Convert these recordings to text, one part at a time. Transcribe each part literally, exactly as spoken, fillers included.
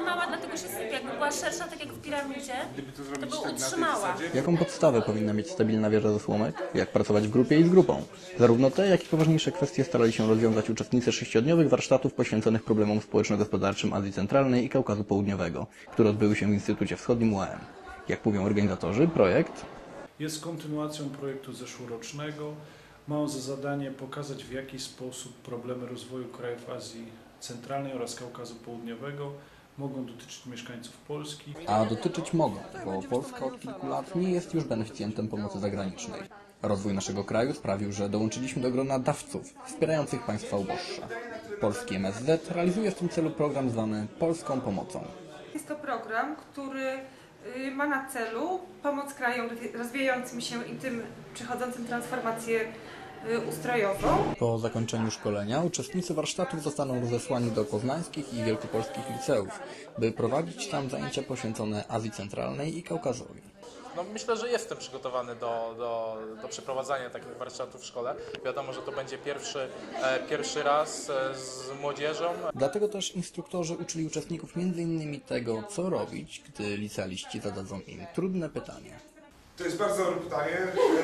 mała, dlatego się sypie. Jakby była szersza, tak jak w piramidzie, to by utrzymała. Jaką podstawę powinna mieć stabilna wieża ze słomek? Jak pracować w grupie i z grupą? Zarówno te, jak i poważniejsze kwestie starali się rozwiązać uczestnicy sześciodniowych warsztatów poświęconych problemom społeczno-gospodarczym Azji Centralnej i Kaukazu Południowego, które odbyły się w Instytucie Wschodnim U A M. Jak mówią organizatorzy, projekt jest kontynuacją projektu zeszłorocznego. Ma on za zadanie pokazać, w jaki sposób problemy rozwoju krajów Azji Centralnej oraz Kaukazu Południowego mogą dotyczyć mieszkańców Polski. A dotyczyć mogą, bo Polska od kilku lat nie jest już beneficjentem pomocy zagranicznej. Rozwój naszego kraju sprawił, że dołączyliśmy do grona dawców wspierających państwa uboższe. Polski M S Z realizuje w tym celu program zwany Polską Pomocą. Jest to program, który ma na celu pomoc krajom rozwijającym się i tym przechodzącym transformację ustrojową. Po zakończeniu szkolenia uczestnicy warsztatów zostaną rozesłani do poznańskich i wielkopolskich liceów, by prowadzić tam zajęcia poświęcone Azji Centralnej i Kaukazowi. No, myślę, że jestem przygotowany do, do, do przeprowadzania takich warsztatów w szkole. Wiadomo, że to będzie pierwszy, e, pierwszy raz e, z młodzieżą. Dlatego też instruktorzy uczyli uczestników między innymi tego, co robić, gdy licealiści zadadzą im trudne pytanie. To jest bardzo dobre pytanie.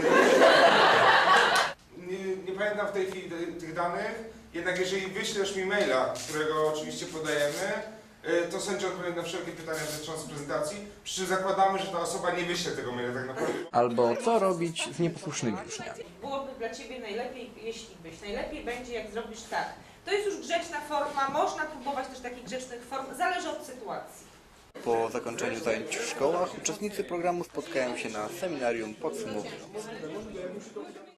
Nie, nie pamiętam w tej chwili tych danych, jednak jeżeli wyślesz mi maila, którego oczywiście podajemy, to sędzia odpowie na wszelkie pytania dotyczące prezentacji, przy czym zakładamy, że ta osoba nie wyśle tego maila tak naprawdę. Albo co robić z nieposłusznymi uczniami. Byłoby dla Ciebie najlepiej, jeśli byś. Najlepiej będzie, jak zrobisz tak. To jest już grzeczna forma, można próbować też takich grzecznych form, zależy od sytuacji. Po zakończeniu zajęć w szkołach uczestnicy programu spotkają się na seminarium podsumowującym.